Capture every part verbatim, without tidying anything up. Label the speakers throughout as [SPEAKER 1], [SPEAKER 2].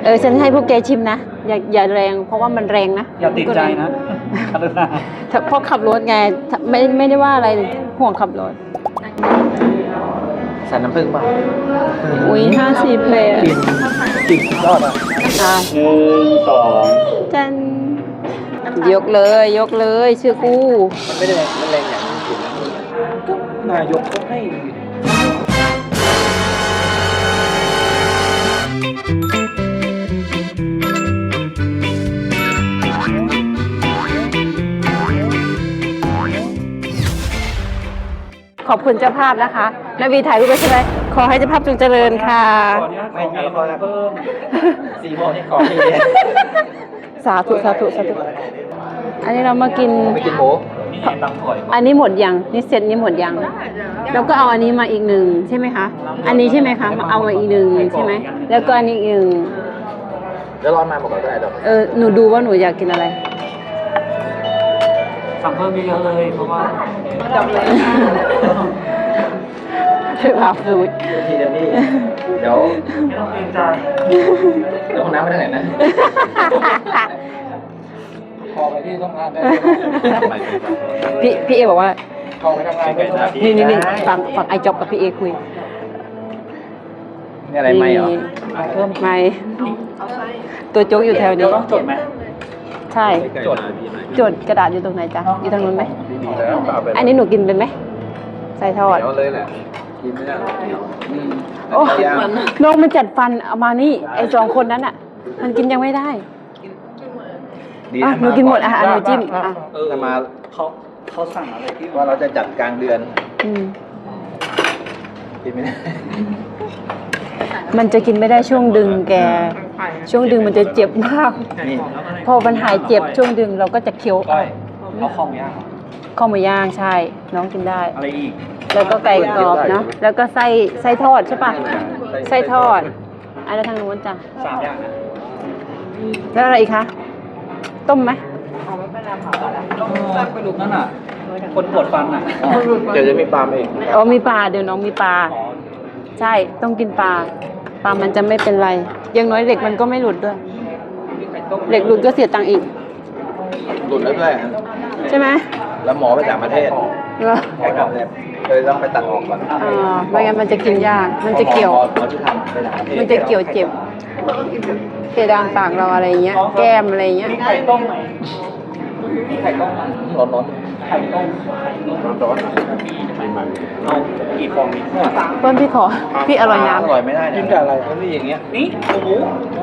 [SPEAKER 1] อฉันให้พวกแกชิมนะอย่าอย่าแรงเพราะว่ามันแรงนะ
[SPEAKER 2] อย่าติดใจนะ
[SPEAKER 1] เพราะขับรถไงไม่ไม่ได้ว่าอะไรห่วงขับรถ
[SPEAKER 3] ใส่น้ำผึ้งป่ะ
[SPEAKER 1] อุ้ยห้าสิบเลย
[SPEAKER 3] กินกินยอดอ่ะ
[SPEAKER 1] อ่ะ
[SPEAKER 2] หนึ่งสอง
[SPEAKER 1] จันยกเลยยกเลยชื่อกู
[SPEAKER 3] มันไม่ได้มันแรงอย่างนี้กินก็นายกเขาให้
[SPEAKER 1] ขอบคุณเจ้าภาพนะคะนาวีถ่ายรูปไว้ใช่ไหมขอให้เจ้าภาพจงเจริญค่ะ
[SPEAKER 3] ไม่เอาแล้วก็เพิ่มสี่โมงนี่ขอให้
[SPEAKER 1] สาธุสาธุสาธุอันนี้เรามากิน
[SPEAKER 3] ไปกินหมู
[SPEAKER 1] อันนี้หมดยังนี่เซตนี้หมดยังแล้วก็เอาอันนี้มาอีกหนึ่งใช่ไหมคะอันนี้ใช่ไหมคะเอามาอีกหนึ่งใช่ไหมแล้วก็อันนี้อีกหนึ่ง
[SPEAKER 3] แล้วร้อนมาบอกเราได้ดอก
[SPEAKER 1] เออหนูดูว่าหนูอยากกินอะไร
[SPEAKER 2] สั่งเพิ่มเยอะเลยเพราะว่า
[SPEAKER 1] จบเลยคืออาฟูด
[SPEAKER 3] ทีเดียวนี่เดี๋ยว
[SPEAKER 2] ไม่ต้องเกรงใจ
[SPEAKER 3] เดี๋ยวห้องน้ำไปทางไหนนะพอไปที่ต้องทานได้
[SPEAKER 1] พี่พี่เอบอกว่า
[SPEAKER 3] พอไปทำงาน
[SPEAKER 1] นี่นี่นี่ฟังฟังไอจ็อบกับพี่เอคุย
[SPEAKER 3] นี่อะไรไม่หรอ
[SPEAKER 1] เพิ่มไม่ตัวโจ๊กอยู่แถวนี้
[SPEAKER 2] ต้องจดไหม
[SPEAKER 1] ใช่
[SPEAKER 3] จด
[SPEAKER 1] จดกระดาษอยู่ตรงไหนจ๊ะอยู่ทางนู้นไหมอันนี้หนูกินเป็นไหมใส่ทอด
[SPEAKER 3] เลยแหละกินไม่ได้
[SPEAKER 1] โอ้น้องมันจัดฟันเอามานี่ไอสองคนนั้นอ่ะมันกินยังไม่ได้อ่ะหนูกินหมดอ่ะหนูจิ้มอ่ะ
[SPEAKER 3] จะมา
[SPEAKER 2] เขาเขาสั่งอะไรที่
[SPEAKER 3] ว่าเราจะจัดกลางเดือนกินไม่ได้
[SPEAKER 1] มันจะกินไม่ได้ช่วงดึงแกช่วงดึงมันจะเจ็บมากพอมันหายเจ็บช่วงดึงเราก็จะเคี้ยว
[SPEAKER 2] เอาข้าวหมูย่าง
[SPEAKER 1] ข้าวหมูย่างใช่น้องกินได้
[SPEAKER 2] อะไรอีก
[SPEAKER 1] แล้วก็ไก่กรอบเนาะแล้วก็ไส้ไส้ทอดใช่ปะไส้ทอดอันนั้นทางนู้นจ้ะ
[SPEAKER 2] สามอย่างนะ
[SPEAKER 1] แล้วอะไรอีกคะต้มไหม
[SPEAKER 2] ต้องไปดูนั่นอ่ะคนปวดฟันอ่ะ
[SPEAKER 3] เดี๋ยวจะมีปลาเอง
[SPEAKER 1] อ๋อมีปลาเดี๋ยวน้องมีปลาใช่ต้องกินปลาปลามันจะไม่เป็นไรยังน้อยเหล็กมันก็ไม่หลุดด้วยเหล็กหลุดก็เสียตังค์อีก
[SPEAKER 3] หลุดแล้วด้วย
[SPEAKER 1] ใช่ไหม
[SPEAKER 3] แล้วหมอไปต่างประเทศแขกรับเลยต้องไปตัดออกก่อน
[SPEAKER 1] อ่าไม่งั้นมันจะกินยากมันจะเกี่ยวมันจะเกี่ยวเจ็บเพดานปากเราอะไรเงี้ยแก้มอะไรเงี้ย
[SPEAKER 2] ไข่ต้มไหมไข่ต้ม
[SPEAKER 3] ร้อนร้อน
[SPEAKER 2] ไข่ต้มร้อนร้อนเอากี่ฟองนี่
[SPEAKER 1] ต้นพี่ขอพี่อร่อยน้ำ
[SPEAKER 3] อร่อยไม่ได้กินกับอะไรก็นี่อย่างเงี้ย
[SPEAKER 2] นี่หมู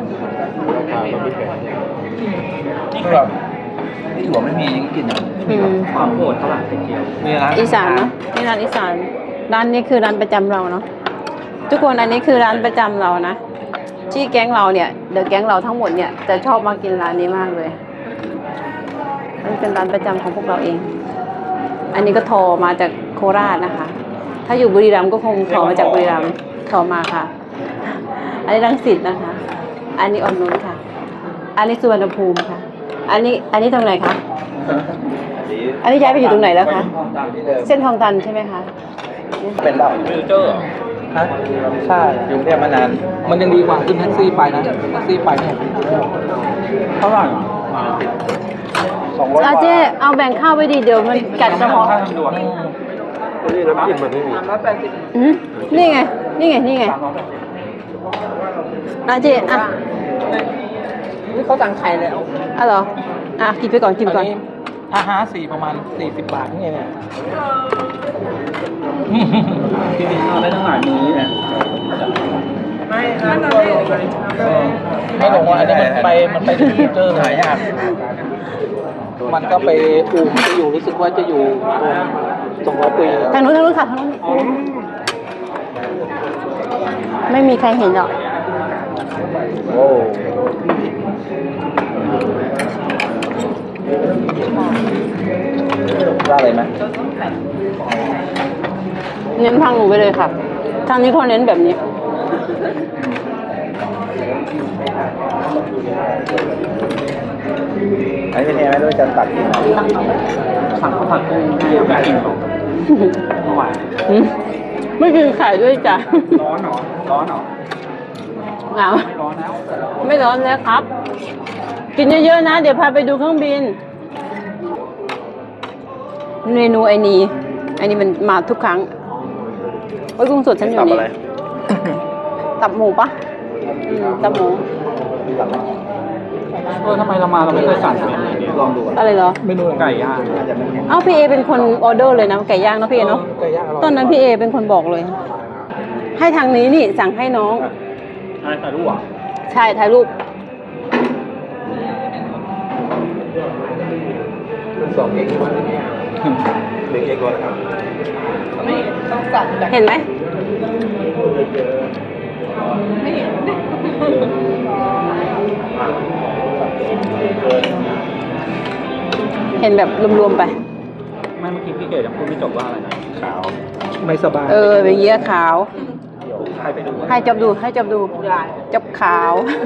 [SPEAKER 3] นี่แบบนี่ถั่วไม่มียังกินอ่ะ
[SPEAKER 2] ความโหดเท่าไหร่เกี่ยว
[SPEAKER 3] มีร้าน
[SPEAKER 1] อีสานเนาะนี่ร้านอีสานร้านนี้คือร้านประจำเราเนาะทุกคนอันนี้คือร้านประจำเรานะที่แก๊งเราเนี่ยเดอะแก๊งเราทั้งหมดเนี่ยจะชอบมากินร้านนี้มากเลยมันเป็นร้านประจำของพวกเราเองอันนี้ก็โทรมาจากโคราชนะคะถ้าอยู่บุรีรัมย์ก็คงโทรมาจากบุรีรัมย์โทรมาค่ะอันนี้รังสิตนะคะอันนี้อ่อนนุชค่ะอันนี้สุวรรณภูมิค่ะอันนี้อันนี้ตรงไหนคะอันนี้ย้ายไปอยู่ตรงไหนแล้วคะเส้นทองตันใช่ไหมคะ
[SPEAKER 3] เป็นแบบ
[SPEAKER 2] ฟิวเจอร์
[SPEAKER 3] ฮะใช่อยู่เนี่ยมานานมันยังดีกว่าขึ้นแท็กซี่ไปนะแท็กซี่ไปเนี่ย
[SPEAKER 2] เท่าไหร่
[SPEAKER 1] สองร้อยบาทเจ๊เอาแบ่งข้าวไว้ดีเดี๋ยวมันกัดกระเพาะ
[SPEAKER 3] นี่น้ำจิ้มมันไม่มี
[SPEAKER 1] นี่ไงนี่ไงนี่ไงนะเจ๊อ่ะ
[SPEAKER 2] นี่เขาสั่งไข่แล้ว
[SPEAKER 1] อ่ะเหรออ่ะกินไปก่อนกินก่อน
[SPEAKER 3] ถ้าห้าสี่ประมาณสี่สิบบาทนี่เนี่ย
[SPEAKER 2] ที่กินข้าวได้ตั้งหลายมื้อเนี่ยไม่
[SPEAKER 3] ไม่ลงว่าอันนี้มันไปมันไปที่เจอหายากมันก็ไปอู่จะอยู่รู้สึกว่าจะอยู่ตรงร้อยปี
[SPEAKER 1] ทางนู้นทางนู้นค่ะทางนู้นไม่มีใครเห็นหรอก
[SPEAKER 3] โอ้ได้เลยไหม
[SPEAKER 1] เน้นทางหนูไปเลยค่ะทางนี้เขาเน้นแบบนี้
[SPEAKER 3] อันนี้เป็นยังไงไม่รู้จะตัดที่ไหน
[SPEAKER 2] สั่งข้าวผัดกุ้งไม่กินหรอกเมื่อวาน
[SPEAKER 1] ไม่กินไข่ด้วยจ้ะ
[SPEAKER 2] ร้อนหรอร้อนหรอ
[SPEAKER 1] เหงา
[SPEAKER 2] ไม่ร้อนแล้ว
[SPEAKER 1] ไม่ร้อนร้อนแล้วครับ กินเยอะๆนะ เดี๋ยวพาไปดูเครื่องบิน เมนูไอ้นี่ไอ้นี่มันมาทุกครั้งโอ้ยกุ้งสดฉันอยู่นี่ ตับหมูปะอืมตับหมู
[SPEAKER 3] เออทำไมเรามาเราไม่เคยสั่งเมนูนี้ลองดู
[SPEAKER 1] อะไรเหรอ
[SPEAKER 3] เมนูไก่ย่าง
[SPEAKER 1] เอ้าพี่เอเป็นคนออเดอร์เลยนะไก่ย่างเนาะพี่เอเนาะ
[SPEAKER 3] ไก่ย่างอร่อย
[SPEAKER 1] ตอนนั้นพี่เอเป็นคนบอกเลย ให้ทางนี้นี่สั่งให้น้อง
[SPEAKER 2] อะไรถ่ายรูปอ่ะ
[SPEAKER 1] ใช่ถ่ายรูป
[SPEAKER 3] สองเองหนึ่งเองก่อนครับ
[SPEAKER 1] เห็นไหมเห็นแบบรวมๆไป
[SPEAKER 2] ไม่เมื่อกี้พี่เก๋ยังพูดไม่จบว่าอะไรนะขาว
[SPEAKER 3] ไม่สบาย
[SPEAKER 1] เออเป็นเยี่ยขาว
[SPEAKER 2] ใครไปดู
[SPEAKER 1] ให้จบดูให้จบดูจบขาว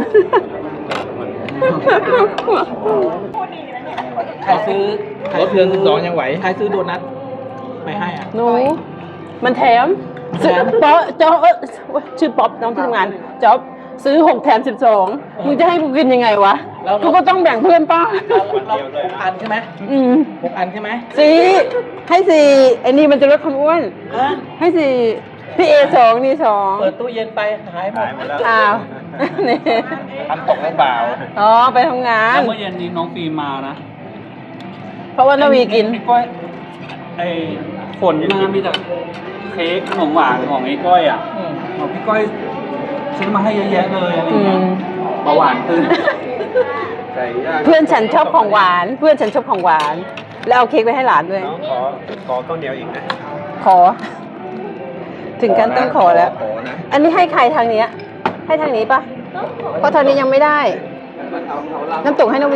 [SPEAKER 3] ใครซื้อรถเดือนสิบสองยังไหวใครซื้อโดนัทไม่ให้อ่ะ
[SPEAKER 1] หนูมันแถม
[SPEAKER 3] แถม
[SPEAKER 1] ป๊อจ๊อบเอ้ยชื่อป๊อปน้องที่ทำงานจ๊อบซื้อหกแถมสิบสองมึงจะให้กูกินยังไงวะกูก็ต้องแบ่งเพื่อนป้า
[SPEAKER 3] เราหกอันใช่ไหม
[SPEAKER 1] อืม
[SPEAKER 3] หกอันใช่ไหม
[SPEAKER 1] สี่ให้สี่ไอ้นี่มันจะลดความอ้วน
[SPEAKER 3] ฮะ
[SPEAKER 1] ให้สี่พี่เอสองนี่สอง
[SPEAKER 3] เปิดตู้เย็นไปหายหมด
[SPEAKER 2] หายหมดแล้ว
[SPEAKER 1] อ้าว นี่
[SPEAKER 3] ทำตกหรือเปล่า
[SPEAKER 1] อ๋อไปทำงาน
[SPEAKER 2] แล้วเมื่อเย็นนี้น้องฟิล์มมานะ
[SPEAKER 1] เพราะว่านาวีกิน
[SPEAKER 2] ไอ้ก้อยไอ้ฝนมามีแต่เค้กขนมหวานของไอ้ก้อยอ่ะ
[SPEAKER 3] อืม
[SPEAKER 2] บอกพี่ก้อยซื้อมาให้เยอะแยะเลยอะไร
[SPEAKER 1] อื
[SPEAKER 2] เงี้ย
[SPEAKER 1] ม
[SPEAKER 2] เบาหวานขึ้นไก่ย่าง
[SPEAKER 1] เพื่อนฉันชอบของหวาน เพื่อนฉันชอบของหวาน แล้วเอาเค้กไปให้หลานด้วย
[SPEAKER 2] น้องขอขอข้าวเหนียวอีกนะ
[SPEAKER 1] ขอ ถึงกันต้องขอแล้ว
[SPEAKER 3] ขอนะ
[SPEAKER 1] อันนี้ให้ใครทางเนี้ย ให้ทางนี้ปะเพราะทางนี้ยังไม่ได้ น้ำตกให้นาวี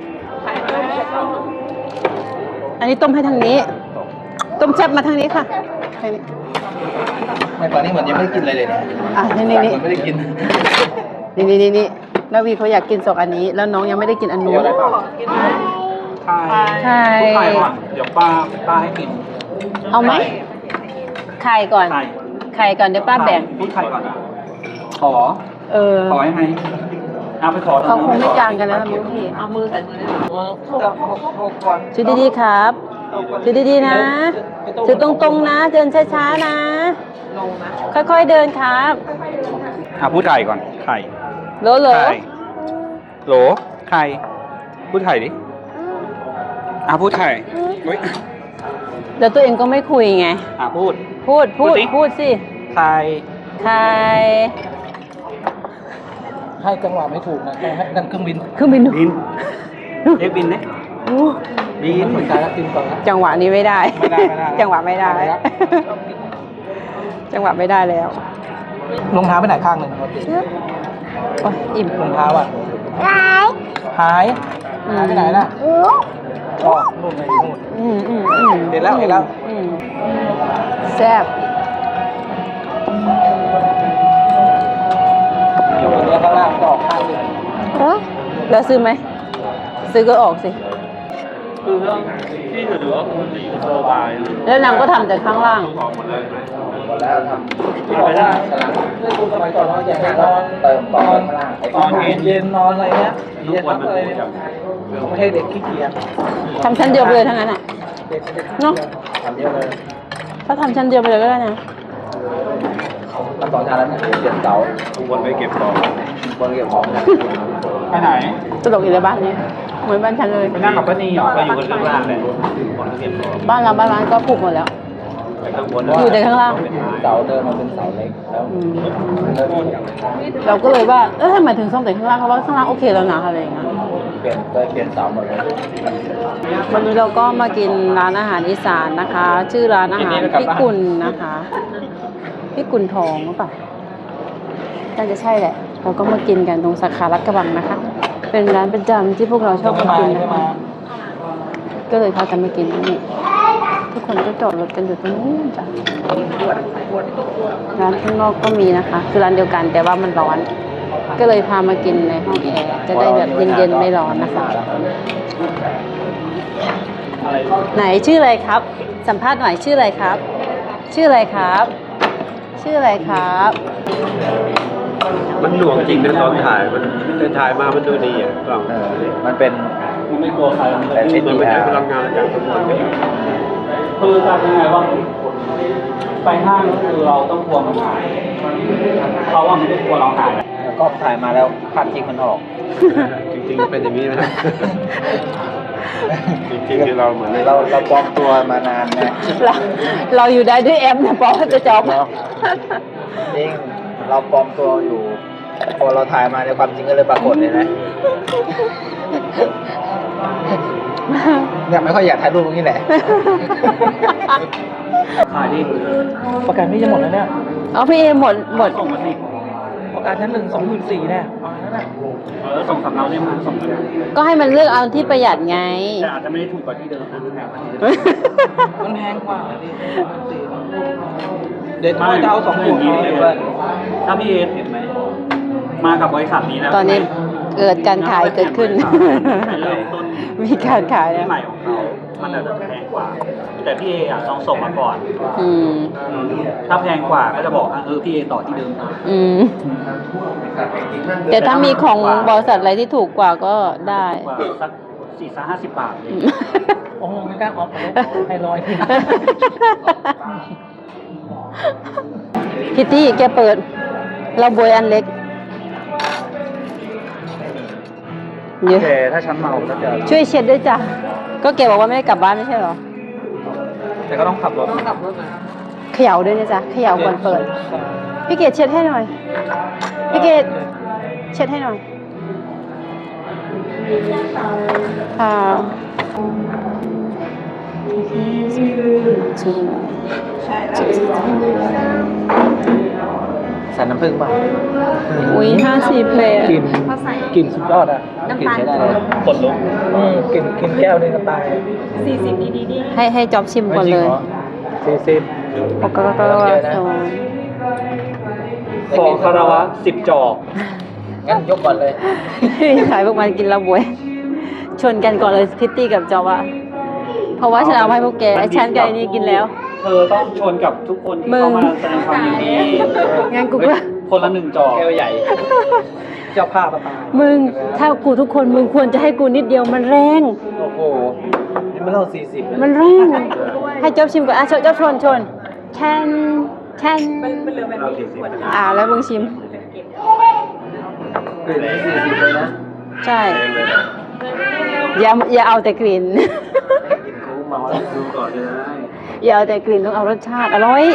[SPEAKER 1] อันนี้ต้มให้ทางนี้ ต้มแซ่บมาทางนี้ค่ะทางนี้
[SPEAKER 3] ไม่ตอนนี้เหมือนยังไม่ได้กินอะไรเลยเนี่ย
[SPEAKER 1] อ่ะนี่นี่นี่
[SPEAKER 3] เหมือนไม่ได้กิน
[SPEAKER 1] นี่นี่นี่นี่นาวีเขาอยากกินสองอันนี้ แล้วน้องยังไม่ได้กินอันนู้น
[SPEAKER 2] ใช่
[SPEAKER 1] ใช่
[SPEAKER 2] ไข่ก่อนเดี๋ยวป้าป้าให้กิน
[SPEAKER 1] เอาไหมไข่ก่อน
[SPEAKER 2] ไข่
[SPEAKER 1] ไข่ก่อนเดี๋ยวป้าแบ่ง
[SPEAKER 2] พูดไข่ก่อน ขอ
[SPEAKER 1] เออ
[SPEAKER 2] ขอยังไงเอาไปขอ
[SPEAKER 1] เขาคงไม่จางกันแล้วนะมุกพี่
[SPEAKER 3] เอามือใส่มือได้ก่อน
[SPEAKER 1] ชื่อดีๆครับชื่อดีๆนะชื่อตรงๆนะ เดินช้าๆนะ ค่อยๆเดินครับ
[SPEAKER 2] อ่ะพูดไข่ก่อน ไข่
[SPEAKER 1] โหลโหล
[SPEAKER 2] ไข่โหลไข่พูดไข่ดิอ่ะพูดไข่เฮ้ย
[SPEAKER 1] เดี๋ยวตัวเองก็ไม่คุยไง
[SPEAKER 2] อ่ะพูด
[SPEAKER 1] พูดพูด
[SPEAKER 2] พูดสิ
[SPEAKER 1] พูดสิ
[SPEAKER 2] ไข่
[SPEAKER 1] ใคร
[SPEAKER 3] ให้จังหวะไม่ถูกนะให้นั่นเครื่องบิน
[SPEAKER 1] เครื่องบิน
[SPEAKER 2] บินเรียกบินดิ
[SPEAKER 1] อู้
[SPEAKER 2] บิน
[SPEAKER 3] เหมือนกันแล้วกินก่อนนะ
[SPEAKER 1] จังหวะนี้ไม่ได้
[SPEAKER 3] ไม่ได้ไม่ได้
[SPEAKER 1] จังหวะไม่ได้
[SPEAKER 3] ไม่ได้
[SPEAKER 1] จังหวะไม่ได้แล้ว
[SPEAKER 3] รองเท้าไปไหนข้างหนึ่งครับ
[SPEAKER 1] โอ้ยอิ่ม
[SPEAKER 3] รองเท้าอ่ะหาย
[SPEAKER 1] อืม
[SPEAKER 3] หายไปไหนล่ะอ๋อนู่นไงอยู่นู่น
[SPEAKER 1] อืมอืมอืม
[SPEAKER 3] เห็นแล้วเห็นแล้ว
[SPEAKER 1] อืมแซ่บ
[SPEAKER 3] อยู่ตรงนี้ข้างล่างก็ออกข้างหนึ่ง
[SPEAKER 1] แล้วซื้อไหม ซื้อก็ออกสิ
[SPEAKER 2] คือเรื่องที่ถือว่าคุณจะอยู่สบาย
[SPEAKER 1] แล้วนางก็ทำแต่ข้างล่าง
[SPEAKER 2] ออกหมดเลย
[SPEAKER 3] หมดแล้วทำ
[SPEAKER 2] กินไปได้
[SPEAKER 3] เรื่องคุณสมัยก่อนเราอย่างนอนเติมตอนตอนเย็นเย็นนอนอะไรเงี้ย
[SPEAKER 2] ทุก
[SPEAKER 3] เย็น
[SPEAKER 2] วัน
[SPEAKER 3] ทำ
[SPEAKER 2] มัน
[SPEAKER 3] อะไร
[SPEAKER 2] ดู
[SPEAKER 3] เนี่ย
[SPEAKER 2] จัง
[SPEAKER 3] ไม่ให้เด็กขี้เกียจ
[SPEAKER 1] ทำชั้นเดียวไปเลยทั้งนั้นอ่ะ
[SPEAKER 3] เด็กเด็ก
[SPEAKER 1] เนาะ
[SPEAKER 3] ทำเยอะเลย
[SPEAKER 1] ถ้าทำชั้นเดียวไปเลยก็ได้นะ
[SPEAKER 3] ทำสองชั้นแล้วเนี่ยเปลี่ยนเสา
[SPEAKER 2] ทุกวันไปเก็บของ
[SPEAKER 3] คนเก็บของ
[SPEAKER 2] ไปไหน
[SPEAKER 1] ตลกอีกเลยบ้านนี้ เหมือนบ้านฉันเลย
[SPEAKER 2] ไปนั่งกับป้านีเหรอไปอยู่กันข้างล่างเลยคนเก็บของ
[SPEAKER 1] บ้านเราบ้านร้านก็ปลูกหมดแล้ว
[SPEAKER 2] ไปข้างบน
[SPEAKER 1] อยู่แต่ข้างล่าง
[SPEAKER 3] เสาเดินมาเป็นเสาเล็กแล้ว
[SPEAKER 1] อืมเราก็เลยว่า เออทำไมถึงซ่อมแต่ข้างล่างเพราะว่าข้างล่างโอเคแล้วนะอะไรอย่างเงี้ย
[SPEAKER 3] เปลี่ยนเลยเปลี่ยนเสาหมดเลย
[SPEAKER 1] วันนี้เราก็มากินร้านอาหารอีสานนะคะ ชื่อร้านอาหารพี่กุลนะคะพี่กุลทองหรือเปล่าน่าจะใช่แหละ เราก็มากินกันตรงสาขาลัดกระบังนะคะ เป็นร้านประจำที่พวกเราชอบมากินนะคะ ก็เลยพากันมากินที่นี่ ทุกคนก็จอดรถกันอยู่ตรงนู้นจ้ะร้านข้างนอกก็มีนะคะ คือร้านเดียวกันแต่ว่ามันร้อน ก็เลยพามากินในห้องแอร์จะได้แบบเย็นๆไม่ร้อนนะคะ
[SPEAKER 2] อะไร
[SPEAKER 1] ไหนชื่ออะไรครับ สัมภาษณ์หน่อยชื่ออะไรครับ ชื่ออะไรครับ ชื่ออะไรครับ
[SPEAKER 4] มันหน่วงจริงนะตอนถ่ายมันแต่ถ่ายมามันดูดีอ่ะกล้อง
[SPEAKER 3] เออมันเป็น
[SPEAKER 4] มันไม่กลัวใครมัน
[SPEAKER 3] แต่
[SPEAKER 4] มัน
[SPEAKER 3] เอ็นดี
[SPEAKER 4] ไม่
[SPEAKER 3] อา
[SPEAKER 4] ใช้
[SPEAKER 3] ร์
[SPEAKER 4] พลังงานจากทั้งหมด
[SPEAKER 2] คือการยังไงว่าไปห้างก็คือเราต้องกลัวมันหายเขาว่าไม่ได้กลัวเราหาย
[SPEAKER 3] แล้วก็ถ่ายมาแล้วภาพจริงมันออก
[SPEAKER 4] จริงๆเป็นอย่างนี้นะจริงๆคือเราเหมือน
[SPEAKER 3] เราเราปลอมตัวมานานนะ
[SPEAKER 1] เราเราอยู่ได้ด้วยแอปนะปอจะจอบ
[SPEAKER 3] เนาะจริงเราปลอมตัวอยู่ พอเราถ่ายมาในความจริงก็เลยปรากฏเลยนะเนี่ยไม่ค่อยอยากถ่ายรูปตรงนี้แหละ
[SPEAKER 2] ขายดิ
[SPEAKER 3] ประกันพี่จะหมดแล้วเนี่ย
[SPEAKER 1] เอาพี่เอหมดหมด
[SPEAKER 2] ส่งมาสิ
[SPEAKER 3] ประกันชั้นหนึ่งสองหมื่นสี่เนี่ยเอาแล้วนะ
[SPEAKER 2] เออส่งสำเนาเนี่ยมาส่งมา
[SPEAKER 1] ก็ให้มันเลือกเอาที่ประหยัดไง
[SPEAKER 2] แต่อาจจะไม่ได้ถูกกว่าที่เดิมนะ
[SPEAKER 3] มันแพงกว่าดิเดี๋ยวจะเอาสองหมื่น
[SPEAKER 2] นี้เลยว่าถ้าพี่เอเห็นไหมมากับบริษัทนี้แล้ว
[SPEAKER 1] ตอนนี้เกิดการขายเกิดขึ้น
[SPEAKER 2] เริ่มต้น
[SPEAKER 1] มีการขาย
[SPEAKER 2] ที่
[SPEAKER 1] แล้ว
[SPEAKER 2] ใหม่ของเขามันอาจจะแพงกว่า แต่พี่เออ่ะต้องส่งมาก่อน
[SPEAKER 1] อืม
[SPEAKER 2] อืมถ้าแพงกว่าก็จะบอกว่าเออพี่เอต่อที่เดิมนะ
[SPEAKER 1] อืม แต่ถ้ามีของบริษัทอะไรที่ถูกกว่าก็ได้
[SPEAKER 2] กว่าสักสี่สห้าสิบบาทเลย
[SPEAKER 3] โอ้โหไม่กล้าออกให้ร้อย
[SPEAKER 1] คิตตี้แกเปิด เราบวยอันเล็กเยอะ
[SPEAKER 3] โอเคถ้าฉันเมาก็จะ
[SPEAKER 1] ช่วยเช็ดด้วยจ้ะ ก็แกบอกว่าไม่ได้กลับบ้านไม่ใช่เหรอ
[SPEAKER 3] แต่ก็ต้องขับรถ
[SPEAKER 1] เขย่าด้วยนะจ๊ะเขย่าก่อนเปิด พี่เกดเช็ดให้หน่อย พี่เกดเช็ดให้หน่อย ค่ะ
[SPEAKER 3] ใส่น้ำผึ้งป่ะ
[SPEAKER 1] อุ้ยห้าสิบเลยอะ
[SPEAKER 3] กลิ่นกลิ่นสุดยอดอ่ะกลิ่นใช้ได้เลย
[SPEAKER 2] คนลุก
[SPEAKER 3] อืมกลิ่นกลิ่นแก้วนึงก็ตาย
[SPEAKER 1] ให้ให้จอบชิมก่อนเลย
[SPEAKER 3] สี่สิบ
[SPEAKER 1] ปกติก็ว่าสอง
[SPEAKER 2] ขอคารวะสิบจอก
[SPEAKER 3] งั้นยกก่อนเลย
[SPEAKER 1] ขายพวกมันกินแล้วบวย ชนกันก่อนเลยพิตตี้กับจอบอะเพราะว่าฉันเอาให้พวกแกไอ้ฉันกับไอ้นี่กินแล้ว
[SPEAKER 2] เธอต้องชนกับทุกคนที่เข้ามาแสดงความยินดี
[SPEAKER 1] งั้นกูก็
[SPEAKER 2] คนละหนึ่งจอก
[SPEAKER 3] แก้วใหญ่ เจ้าภาพประตาย
[SPEAKER 1] มึง ถ้ากูทุกคนมึงควรจะให้กูนิดเดียวมันแรง
[SPEAKER 3] โอ้โห นี่มันเล่าสี่สิบ
[SPEAKER 1] มันแรง ให้จอบชิมก่อนอ่ะชนจอบชนชนแคนแคนอ่าแล้วมึงชิม
[SPEAKER 3] กลิ่นนี่สี่สิบเลยนะ
[SPEAKER 1] ใช่ อย่าอย่าเอาแต่กลิ่น
[SPEAKER 3] กินคูเมาแล้ว
[SPEAKER 4] ดูก่อนเลยนะ
[SPEAKER 1] อย่าเอาแต่กลิ่นต้องเอารสชาติอร่อย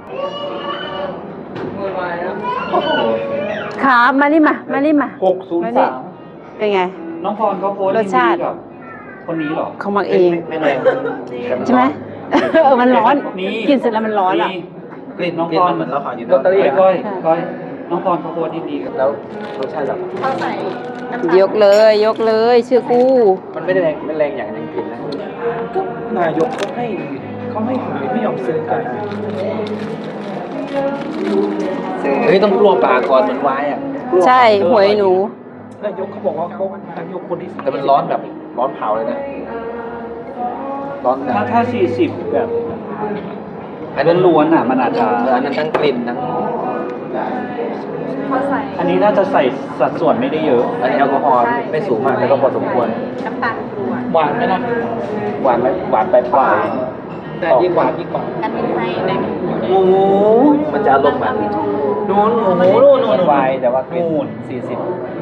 [SPEAKER 1] ครับมานี่มา มานี่มา
[SPEAKER 2] หกศูนย์สาม
[SPEAKER 1] เป็นไง
[SPEAKER 2] น้องพรเขาโพสต์
[SPEAKER 1] รสชาติ
[SPEAKER 2] ยินดีกับคนนี้เหรอ
[SPEAKER 1] เขามักเอง
[SPEAKER 3] ไม่แรง
[SPEAKER 1] ใช่ไหมเออมันร้อน
[SPEAKER 2] นี่
[SPEAKER 1] กินเสร็จแล้วมันร้อนอ่ะ
[SPEAKER 3] กลิ่น
[SPEAKER 2] น้อง
[SPEAKER 3] กลิ่
[SPEAKER 2] พ
[SPEAKER 3] น
[SPEAKER 2] ร
[SPEAKER 3] มันเหมือนเราขายอยู่
[SPEAKER 2] ลอตเตอรี่
[SPEAKER 3] นะ
[SPEAKER 2] ก้อยก้อยน้องพรเขาโพสต์ยินดีกับ
[SPEAKER 3] แล้วรสชาติแบบ
[SPEAKER 1] ยกเลย ยกเลยชื่อกู
[SPEAKER 3] มันไม่ได้แรงไม่แรงอย่างอย่างกลิ่นนะก็นายกเขาให้เขาให้ขายไม่ยอมซื้อกันเฮ้ยต้องกลัวปากก่อนเหมือนวายอ่ะ
[SPEAKER 1] ใช่หวยหนู
[SPEAKER 3] นายกเขาบอกว่าเขานายกคนที่แต่มันร้อนแบบร้อนเผาเลยนะ ร้อนแบบ
[SPEAKER 2] ถ้าถ้าสี่สิบแบบ
[SPEAKER 3] อันนั้น
[SPEAKER 2] ล้วนๆอ่ะมันอาจจะ
[SPEAKER 3] อันนั้นทั้งกลิ่นทั้ง
[SPEAKER 2] อันนี้น่าจะใส่สัดส่วนไม่ได้เยอะ
[SPEAKER 3] อันนี้แอลกอฮอล์ไม่สูงมากแต่ก็พอสมควร
[SPEAKER 5] น้ำตาลกรวด
[SPEAKER 3] หวานไหมนะหวานไหมหวานไปปลายแต่ยิ่งหวานยิ่งกว่า
[SPEAKER 5] กันเป็นไส้ใน
[SPEAKER 3] โอ้โหมันจะอารมณ์แบบนู่นโอ้โหนู่นนู่นวายแต่ว่ากลิ่นสี่สิบ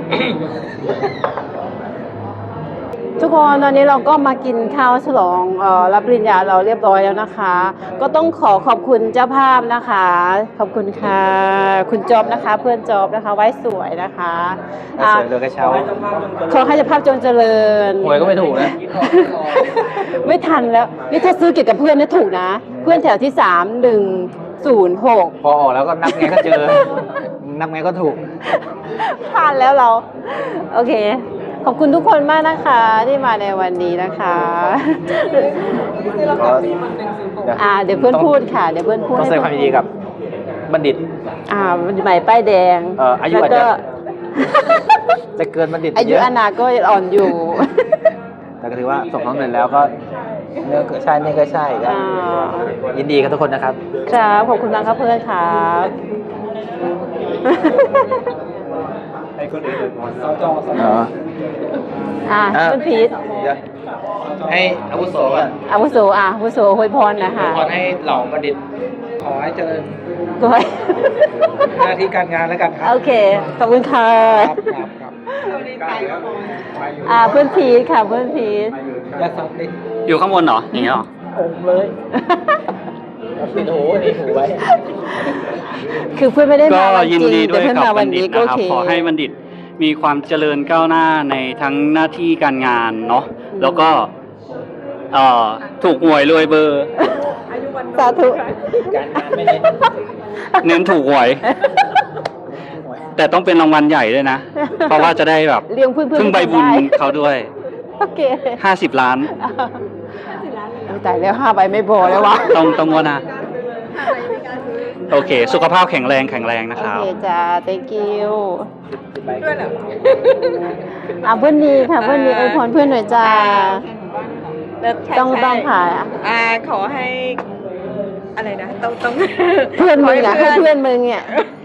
[SPEAKER 1] ทุกคนตอนนี้เราก็มากินข้าวฉลองเอ่อรับปริญญาเราเรียบร้อยแล้วนะคะ ก็ต้องขอขอบคุณเจ้าภาพนะคะ ขอบคุณค่ะ คุณจอบนะคะ เพื่อนจอบนะคะ ไว้สวยนะคะอ่ะ
[SPEAKER 3] เสร็จเลยกระเช้า
[SPEAKER 1] ขอให้เจ้าภาพจงเจริญ
[SPEAKER 3] หวยก็ไม่ถูกนะ
[SPEAKER 1] ไม่ทันแล้ว นี่ถ้าซื้อเกี่ยวกับเพื่อนเนี่ยถูกนะ เพื่อนแถวที่สามหนึ่งศูนย์หก
[SPEAKER 3] พอออกแล้วก็นับไงก็เจอ นับไงก็ถูก
[SPEAKER 1] ผ่านแล้วเรา โอเค ขอบคุณทุกคนมากนะคะที่มาในวันนี้นะคะ อ่า เดี๋ยวเพื่อนพูดค่ะ เดี๋ยวเพื่อนพูด
[SPEAKER 3] ต้องแสดงความยินดีกับบัณฑิต
[SPEAKER 1] อ่าใหม่ป้ายแดง
[SPEAKER 3] เอ่ออายุ
[SPEAKER 1] แล้วก็
[SPEAKER 3] อาจจะ จะเกินบัณฑิต
[SPEAKER 1] อายุ
[SPEAKER 3] เะ
[SPEAKER 1] อานาก็อ่อนอยู่
[SPEAKER 3] แต่ก็ถือว่าส่งน้องเงินแล้วก็เนื้อก็ใช่นี่ก็ใช่ก็
[SPEAKER 1] อ่า
[SPEAKER 3] ยินดีกับทุกคนนะครับ
[SPEAKER 1] ครับ ขอบคุณมากครับเพื่อนครับ
[SPEAKER 4] ให้คนอื่นเลยพร
[SPEAKER 3] สจสจ
[SPEAKER 4] อ๋อ
[SPEAKER 1] อ่า
[SPEAKER 3] อ่ะ
[SPEAKER 1] คุณพีท
[SPEAKER 3] เดี๋ยวให้อาวุโสก่อน
[SPEAKER 1] อาวุโสอ่ะอาวุโสอวยพรนะคะ
[SPEAKER 3] ขอให้เหล่าบัณฑิต ขอให้เจริญ
[SPEAKER 1] ก้อย
[SPEAKER 3] หน้าที่การงานแล้วกันครั
[SPEAKER 1] โอเค ขอบคุณค่ะ
[SPEAKER 3] ครับครับครับ
[SPEAKER 1] อ่าเพื่อนพีทค่ะเพื่อนพีท
[SPEAKER 3] อย่าสับดิ
[SPEAKER 2] อยู่ข้างบนเหรออย่างนี้เหรอ
[SPEAKER 3] องเลยปิดหูนี่หูไว้
[SPEAKER 1] คือเพื่อนไม่ได้
[SPEAKER 2] ก็
[SPEAKER 1] มาวัน
[SPEAKER 2] ยิน
[SPEAKER 1] จริง
[SPEAKER 2] ดีด้
[SPEAKER 1] แต่
[SPEAKER 2] วย
[SPEAKER 1] เพื่อน
[SPEAKER 2] กับ
[SPEAKER 1] มา
[SPEAKER 2] บั
[SPEAKER 1] วั
[SPEAKER 2] ณ
[SPEAKER 1] น
[SPEAKER 2] ฑิ
[SPEAKER 1] นี้
[SPEAKER 2] ต
[SPEAKER 1] ก็
[SPEAKER 2] นะ
[SPEAKER 1] โอ
[SPEAKER 2] ครับ
[SPEAKER 1] เค
[SPEAKER 2] ขอให้บัณฑิตมีความเจริญก้าวหน้าในทั้งหน้าที่การงานเนาะแล้วก็เอ่อถูกหวยรวยเบอร์
[SPEAKER 1] สาธุ
[SPEAKER 3] การงานไม่เน้น
[SPEAKER 2] เน้นถูกหวย แต่ต้องเป็นรางวัลใหญ่ด้วยนะ เพราะว่าจะได้แบบ
[SPEAKER 1] เลี้ยงเพื่อนๆ
[SPEAKER 2] พึ่งใบบุญ
[SPEAKER 1] ได้
[SPEAKER 2] เขาด้วย
[SPEAKER 1] โอเค
[SPEAKER 2] ห้าสิบล้าน
[SPEAKER 1] แต่ายแล้วห้าใบไม่พอแล้ววะ
[SPEAKER 2] ต้องต้องงวดนะโอเค สุขภาพแข็งแรงแข็งแรงนะ
[SPEAKER 1] โอ
[SPEAKER 2] ครับ
[SPEAKER 1] เคจ้า thank you ด้วยเหรออ่ะเพื่อนดีค่ะเพื่อนดีอวยพรเพื่อนหน่อยจ้า ต้องต้องค่ะ
[SPEAKER 5] อ่าขอให้ อะไรนะ ต้องต้อง
[SPEAKER 1] เพื่อนมึงอ่ะให้เพื่อนมึงเนี่ย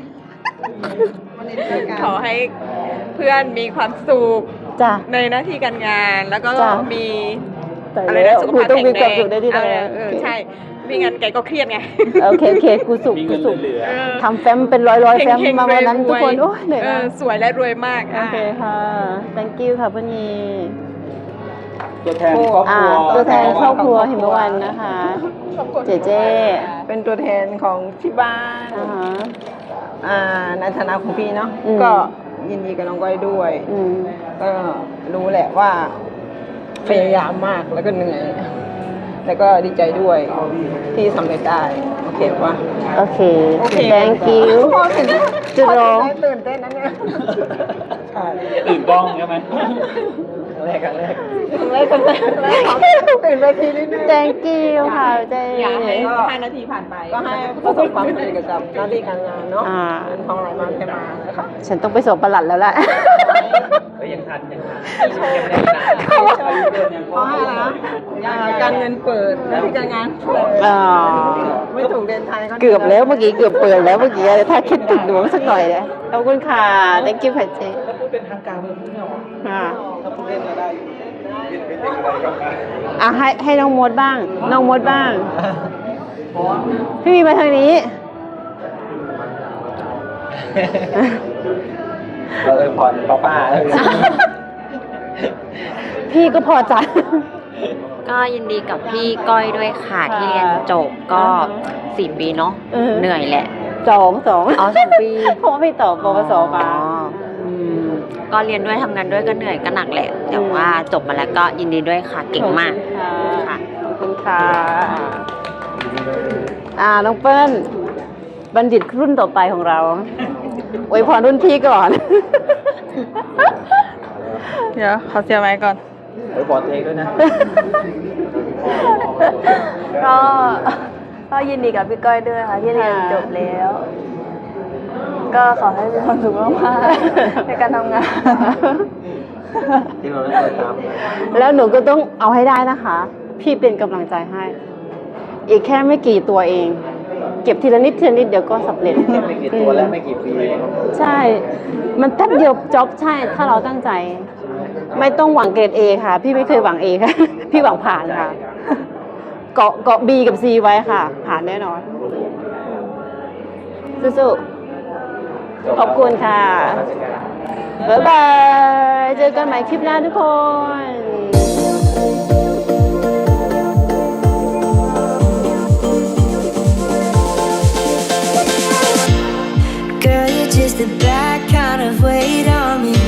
[SPEAKER 5] ขอให้เพื่อนมีความสุข
[SPEAKER 1] จ้า
[SPEAKER 5] ในหน้าที่การงาน แล้วก็
[SPEAKER 1] จ้ะ
[SPEAKER 5] มี
[SPEAKER 1] แต่
[SPEAKER 5] อะไร
[SPEAKER 1] แล้
[SPEAKER 5] นะ
[SPEAKER 1] ว
[SPEAKER 5] สุข
[SPEAKER 1] กู
[SPEAKER 5] ภาพ
[SPEAKER 1] ต้อง
[SPEAKER 5] แข็
[SPEAKER 1] มี
[SPEAKER 5] ง
[SPEAKER 1] ความ
[SPEAKER 5] แรง
[SPEAKER 1] สุขในที่
[SPEAKER 5] เอ
[SPEAKER 1] ทำงา
[SPEAKER 5] อน เออใช่ไม่งั้นแกก็เครียดไง
[SPEAKER 1] โอเคโอเคกูสุข
[SPEAKER 2] มี
[SPEAKER 1] กู
[SPEAKER 2] เงิน
[SPEAKER 1] สุข
[SPEAKER 2] เหลือ
[SPEAKER 5] เออ
[SPEAKER 1] ทำแฟ้มเป็นร้อยร้อยๆแฟ้ม
[SPEAKER 5] เฮงๆ
[SPEAKER 1] มาวันนั้น
[SPEAKER 5] รวยๆ
[SPEAKER 1] ทุกคนโอ้ยเหนื่อย
[SPEAKER 5] เอ
[SPEAKER 1] มา
[SPEAKER 5] อก สวยและรวยมาก
[SPEAKER 1] โอเคค่ะ thank you ค่ะเพื่อนนี
[SPEAKER 2] ตัวแทนครอบค
[SPEAKER 1] อ่า
[SPEAKER 2] รัว
[SPEAKER 1] ตัวแทนครอบครัวหิมวันนะคะ เจเจ
[SPEAKER 6] เป็นตัวแทนของที่บ้าน
[SPEAKER 1] อ่าฮะ
[SPEAKER 6] อ่าในฐานะของพี่เนาะ
[SPEAKER 1] อืม
[SPEAKER 6] ก็ยินดีกับน้องก้อยด้วย
[SPEAKER 1] อืม
[SPEAKER 6] ก็รู้แหละว่าพยายามมากแล้วก็เหนื่อย แล้วก็ดีใจด้วยที่สำเร็จได้ โอเคปะ
[SPEAKER 1] โอเค
[SPEAKER 6] โอเค
[SPEAKER 1] thank you
[SPEAKER 6] พอถึง
[SPEAKER 1] จุดร้อง
[SPEAKER 6] ตื่นเต้นนะเนี่ย
[SPEAKER 3] ใช่
[SPEAKER 2] ตื่นกล้องใช่ไหม
[SPEAKER 3] ครั้งแรกครั้งแรก
[SPEAKER 6] แรกกันแรกแรกตื่นเวทีนิดนึง
[SPEAKER 1] thank you ค่ะเจ
[SPEAKER 5] อยากให้ห้านาทีผ่านไป
[SPEAKER 6] ก็ให้ประสบความสำเร็จเกี่ยวกับหน้าที่การงานเนาะ
[SPEAKER 1] อ่า
[SPEAKER 6] เงินทองไหลมาเทมานะคะ
[SPEAKER 1] ฉันต้องไปส่งประหลัดแล้วแหละ
[SPEAKER 3] ก็ยังทันยังทันยังไม่ได้นาน
[SPEAKER 6] ขอให้นะอ่าการเงินเปิดหน้าที่การงานเปิด
[SPEAKER 1] อ่า
[SPEAKER 6] ไม่ถูกเรียนไทย
[SPEAKER 1] เกือบแล้วเมื่อกี้เกือบเปิดแล้วเมื่อกี้ถ้าคิดติดดวงสักหน่อยเลยขอบคุณค่ะ thank you ค่ะเจ
[SPEAKER 3] ถ้าพูดเป็นทางการมันพูดไม่ออก
[SPEAKER 1] อ่า
[SPEAKER 3] ถ้าพูดเล่นก็ได้อยู่
[SPEAKER 1] อ่ะให้ให้น้องมดบ้าง น้องมดบ้าง พี่มีมาทางนี้
[SPEAKER 3] เออผ่อนป้าป้าเออ
[SPEAKER 1] พี่ก็พอใจ
[SPEAKER 7] ก็ยินดีกับพี่ก้อยด้วยค่ะ
[SPEAKER 1] ค่ะ
[SPEAKER 7] ที่เรียนจบก็
[SPEAKER 1] อ่าฮะ
[SPEAKER 7] สี่ปีเนาะ
[SPEAKER 1] เออ
[SPEAKER 7] เหนื่อยแหละ
[SPEAKER 1] สองสอง
[SPEAKER 7] อ๋อสองปี
[SPEAKER 1] เพราะว่าพี่ต่อปวสมา
[SPEAKER 7] อ๋ออืมก็เรียนด้วยทำงานด้วยก็เหนื่อยก็หนักแหละ แต่ว่าจบมาแล้วก็ยินดีด้วยค่ะเก่งมาก
[SPEAKER 1] ขอบคุณค่ะ
[SPEAKER 7] ค่ะ
[SPEAKER 1] ขอบคุณค่ะ อ่า น้องเปิ้ล บัณฑิตรุ่นต่อไปของเราอวยพรรุ่นพี่ก่อน
[SPEAKER 5] เดี๋ยวขอเสียไม้ก่อน
[SPEAKER 3] เดี๋ยวบอกตัวเองด้วยนะ
[SPEAKER 8] ก็ก็ยินดีกับพี่ก้อยด้วยค่ะที่เรียนจบแล้ว ก็ขอให้มีความสุขมากๆในการทำงาน
[SPEAKER 3] ที่เราได้เคยตาม
[SPEAKER 1] แล้วหนูก็ต้องเอาให้ได้นะคะ พี่เป็นกำลังใจให้ อีกแค่ไม่กี่ตัวเอง เก็บทีละนิดทีละนิดเดี๋ยวก็สำเร็จ
[SPEAKER 3] แค่ไม่กี่ตัวและไม่กี่ปี
[SPEAKER 1] ใช่ มันแป๊บเดียวจ็อบใช่ ถ้าเราตั้งใจ ไม่ต้องหวังเกรด A ค่ะ พี่ไม่เคยหวัง A ค่ะ พี่หวังผ่านค่ะ เกาะเกาะ B กับ C ไว้ค่ะ ผ่านแน่นอน สู้ๆขอบคุณค่ะ บ๊ายบาย เจอกันใหม่คลิปหน้าทุกคน
[SPEAKER 9] Girl, you're just the bad kind of weight on me.